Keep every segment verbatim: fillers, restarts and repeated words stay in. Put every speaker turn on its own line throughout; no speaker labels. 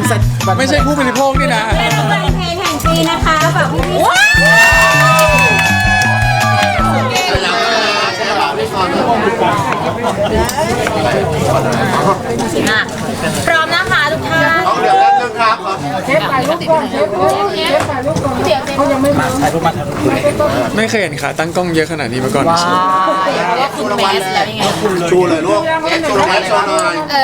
ไม่ใช่ผู้บริโภคนี่นะ
เป็นเพลงแห่งปีนะคะฝากพี่พี่พร้อมนะคะทุกท่าน
เดี๋ยวแล้วนึงครับ
เชฟถ่ายรูปก่อนเชฟเชฟถ่ายรูปก่อนเดี๋ยวเขายังไม่มาถ่ายรูปมาถ่ายรูป
ไม่เคยเห็นขาตั้งกล้องเยอะขนาดนี้มาก่อน
คุณเมสแล้วยังไง
ชูเลยลูกชูเลยชูหน่อย
เอ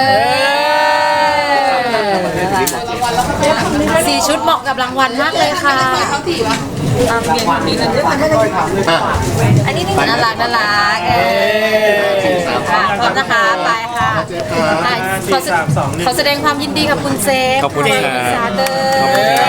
อสี่ชุดเหมาะกับรางวัลมากเลยค่ะอันนี้นี่น่ารักน่ารักเออค่ะพร้อมนะคะไปค่ะขอแสดงความยินดีกับคุณเซฟ
ขอบคุณครับ
ซาเตอร์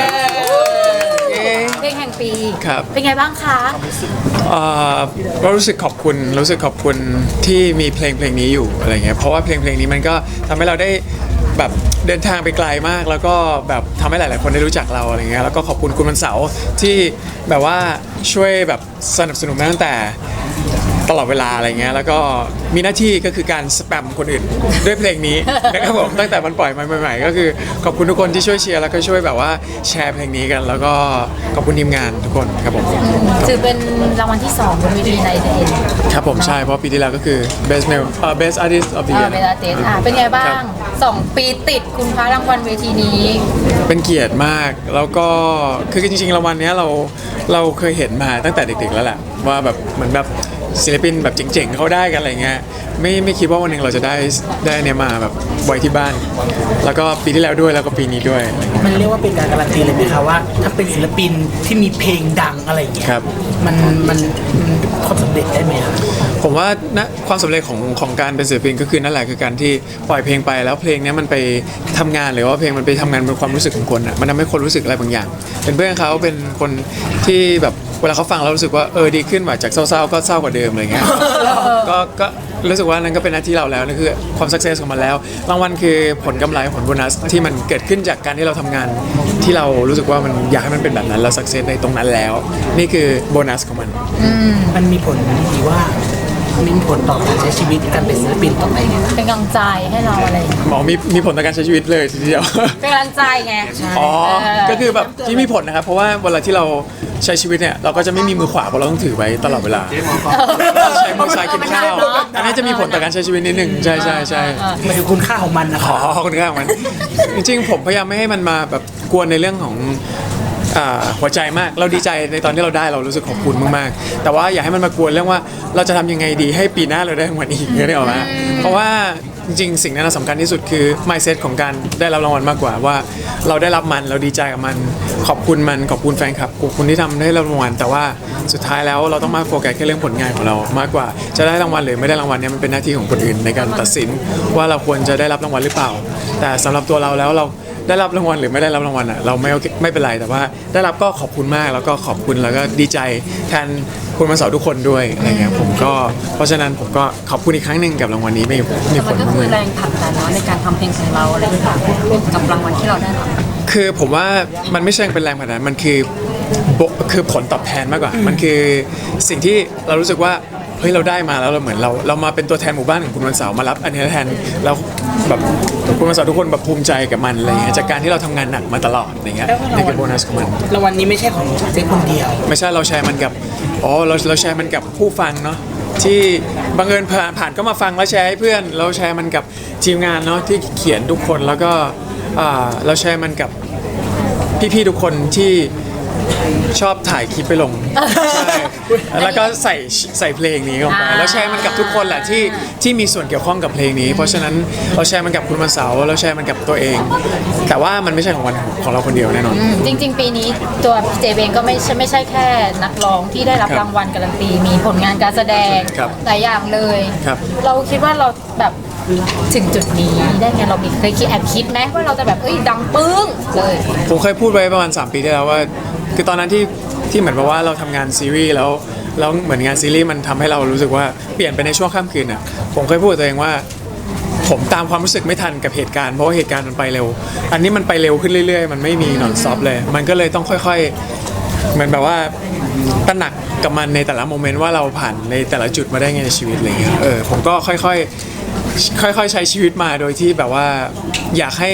เพลงแห่งปีเป็นไงบ้างคะ
ก็รู้สึกขอบคุณรู้สึกขอบคุณที่มีเพลงเพลงนี้อยู่อะไรเงี้ยเพราะว่าเพลงเพลงนี้มันก็ทำให้เราได้แบบเดินทางไปไกลมากแล้วก็แบบทำให้หลายๆคนได้รู้จักเราอะไรเงี้ยแล้วก็ขอบคุณคุณวันเสาร์ที่แบบว่าช่วยแบบสนับสนุนมาตั้งแต่ตลอดเวลาอะไรเงี้ยแล้วก็มีหน้าที่ก็คือการสแปมคนอื่นด้วยเพลงนี้นะครับผมตั้งแต่มันปล่อยมาใหม่ๆก็คือขอบคุณทุกคนที่ช่วยเชียร์แล้วก็ช่วยแบบว่าแชร์เพลงนี้กันแล้วก็ขอบคุณทีมงานทุกคนครับผม
ถือเป็นรางวัลที่สองบนเวทีในเดน
ครับผมใช่เพราะปีที่แล้วก็คือ best male เอ่อ best artist of the year
best artist อ่ะเป็นไงบ้างสองปีติดคุณพระรางวัลเวทีนี้
เป็นเกียรติมากแล้วก็คือจริงๆรางวัลนี้เราเราเคยเห็นมาตั้งแต่เด็กๆแล้วแหละว่าแบบเหมือนแบบศิลปินแบบเจ๋งๆเขาได้กันอะไรเงี้ยไม่ไม่คิดว่าวันหนึ่งเราจะได้ได้เนี่ยมาแบบไว้ที่บ้านแล้วก็ปีที่แล้วด้วยแล้วก็ปีนี้ด้วย
มันเรียกว่าเป็นการการันตีเลยไหมคะว่าถ้าเป็นศิลปินที่มีเพลงดังอะไรอย่างเงี้ยมันมันความสำเร็จได้ไหมครับ
ผมว่านะความสำเร็จของของการเป็นศิลปินก็คือนั่นแหละคือการที่ปล่อยเพลงไปแล้วเพลงนี้มันไปทำงานหรือว่าเพลงมันไปทำงานเป็นความรู้สึกของคนอ่ะมันทำให้คนรู้สึกอะไรบางอย่าง เป็นเพื่อนเขาเป็นคนที่แบบเวลาเขาฟังแล้วรู้สึกว่าเออดีขึ้นว่าจากเศร้าๆก็เศร้ากว่าเดิมอะไรเงี้ยก็ก็รู้สึกว่านั่นก็เป็นหน้าที่เราแล้วนั่นคือความสักเซสของมันแล้วรางวัลคือผลกำไรผลโบนัสที่มันเกิดขึ้นจากการที่เราทำงานที่เรารู้สึกว่ามันอยากให้มันเป็นแบบนั้นเราสักเซสในตรงนั้นแล้วนี่คือโบนัสของมัน
มันมีผลดีว่ามีผลต่อการใช้ชีวิตการเป็นศิลปินต่อไปไง
เป็นกำลังใจให้เราอะไร
หมอมีมีผลต่อการใช้ชีวิตเลยทีเดียว
เป็นกำลังใจไง
อ๋อก็คือแบบที่มีผลนะครับเพราะว่าเวลาที่เราใช้ชีวิตเนี่ยเราก็จะไม่มีมือขวาเพราะเราต้องถือไว้ตลอดเวลาใช้มือซ้ายกินข้าวอันนี้จะมีผลต่อการใช้ชีวิตนิดหนึ่งใช่ใช่ใช่
มันคือคุณค่าของมันนะ
ขอคุณค่าของมันจริงๆผมพยายามไม่ให้มันมาแบบกวนในเรื่องของหัวใจมากเราดีใจในตอนที่เราได้เรารู้สึกขอบคุณมากๆแต่ว่าอย่าให้มันมากวนเรื่องว่าเราจะทำยังไงดีให้ปีหน้าเราได้รางวัลอีกเนี่ยได้หรอมาเพราะว่าจริงๆสิ่งนั้นสำคัญที่สุดคือ mindset ของการได้รับรางวัลมากกว่าว่าเราได้รับมันเราดีใจกับมันขอบคุณมันขอบคุณแฟนคลับขอบคุณที่ทำให้เรารางวัลแต่ว่าสุดท้ายแล้วเราต้องมาโฟกัสแค่เรื่องผลงานของเรามากกว่าจะได้รางวัลหรือไม่ได้รางวัลเนี่ยมันเป็นหน้าที่ของคนอื่นในการตัดสินว่าเราควรจะได้รับรางวัลหรือเปล่าแต่สำหรับตัวเราแล้วเราได้รับรางวัลหรือไม่ได้รับรางวัลอ่ะเราไม่ไม่เป็นไรแต่ว่าได้รับก็ขอบคุณมากแล้วก็ขอบคุณแล้วก็ดีใจแทนคุณมาสอนทุกคนด้วยอะไรเงี้ยผมก็เพราะฉะนั้นผมก็ขอบคุณอีกครั้งหนึ่งกับรางวัลนี้ไม่มีผล
ก็คือแรงผลักดันเนาะในการทำเพลงของเราอะไรต่างๆกับรางวัลที่เราได้รับ
คือผมว่ามันไม่ใช่เป็นแรงผลักดันมันคือคือผลตอบแทนมากกว่ามันคือสิ่งที่เรารู้สึกว่าเฮ้ยเราได้มาแล้วเราเหมือนเราเรามาเป็นตัวแทนหมู่บ้านของคุณวันเสาร์มารับอันนี้แทนแล้วแบบคุณวันเสาร์ทุกคนแบบภูมิใจกับมันอะไรเงี้ยจากการที่เราทำงานหนักมาตลอดอะไรเงี้ยนี่คือโบนัสของมัน
รางวัลนี้ไม่ใช่ของเจ๊คนเดียว
ไม่ใช่เราแชร์มันกับอ๋อเราเราแชร์มันกับผู้ฟังเนาะที่บังเอิญผ่านผ่านก็มาฟังแล้วแชร์ให้เพื่อนเราแชร์มันกับทีมงานเนาะที่เขียนทุกคนแล้วก็เราแชร์มันกับพี่ๆทุกคนที่ชอบถ่ายคลิปไปลงใช่แล้วก็ใส่ใส่เพลงนี้ลงไปแล้วแชร์มันกับทุกคนแหละที่ที่มีส่วนเกี่ยวข้องกับเพลงนี้เพราะฉะนั้นเราแชร์มันกับคุณวันเสาร์เราแชร์มันกับตัวเองแต่ว่ามันไม่ใช่ของวันของเราคนเดียวแน่นอน
จริงๆปีนี้ตัวเจเองก็ไม่ใช่ไม่ใช่แค่นักร้องที่ได้รับรางวัลการันตีมีผลงานการแสดงหลายอย่างเลยเราคิดว่าเราแบบถึงจุดนี้ได้ไงเราเคยคิดแอบคิดไหมว่าเราจะแบบเอ้ยดังปึ้งเลย
ผมเคยพูดไว้ประมาณสามปีที่แล้วว่าคือตอนนั้นที่ที่เหมือนกับว่าเราทำงานซีรีส์แล้วแล้วเหมือนงานซีรีส์มันทำให้เรารู้สึกว่าเปลี่ยนไปในช่วงค่ำคืนอ่ะผมเคยพูดกับตัวเองว่าผมตามความรู้สึกไม่ทันกับเหตุการณ์เพราะว่าเหตุการณ์มันไปเร็วอันนี้มันไปเร็วขึ้นเรื่อยๆมันไม่มีนอนซอฟเลยมันก็เลยต้องค่อยๆเหมือนแบบว่าตระหนักกับมันในแต่ละโมเมนต์ว่าเราผ่านในแต่ละจุดมาได้ไงในชีวิตอะไรเงี้ยเออผมก็ค่อยๆค่อยๆใช้ชีวิตมาโดยที่แบบว่าอยากให้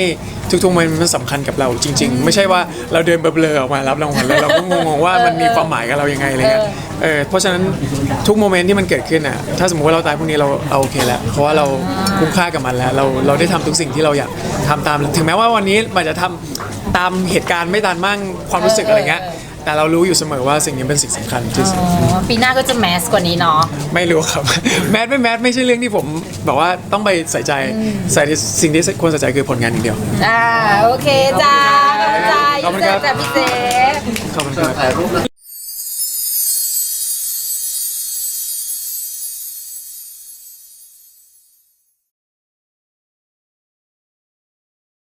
ทุกๆโมเมนต์มันสำคัญกับเราจริง ๆ ไม่ใช่ว่าเราเดินเบลอๆออกมารับรางวัลแล้วเราก็งงๆว่ามันมีความหมายกับเรายังไงอะไรเงี้ยเออเพราะฉะนั้นทุกโมเมนต์ที่มันเกิดขึ้นอ่ะถ้าสมมติว่าเราตายพรุ่งนี้เราเอาโอเคแล้วเพราะว่าเราคุ้มค่ากับมันแล้วเราเราได้ทำทุกสิ่งที่เราอยากทำตามถึงแม้ว่าวันนี้มันจะทำตามเหตุการณ์ไม่ตามมั่งความรู้สึกอะไรเงี้ยแต่เรารู้อยู่เสมอว่าสิ่งนี้เป็นสิ่งสำคัญที่สุด
อ๋อปีหน้าก็จะแมสกว่านี้เนาะ
ไม่รู้ครับ แมทไม่แมทไม่ใช่เรื่องที่ผมแบบว่าต้องไปใส่ใจใส่ที่สิ่งที่ควรใส่ใจคือผลงานอย่างเดียว
อ่าโอเคจ้าขอบคุณจ้า
ขอบคุณครับ
จากพี่เจ
ขอบคุณครับ
ถ่ายรูปนะ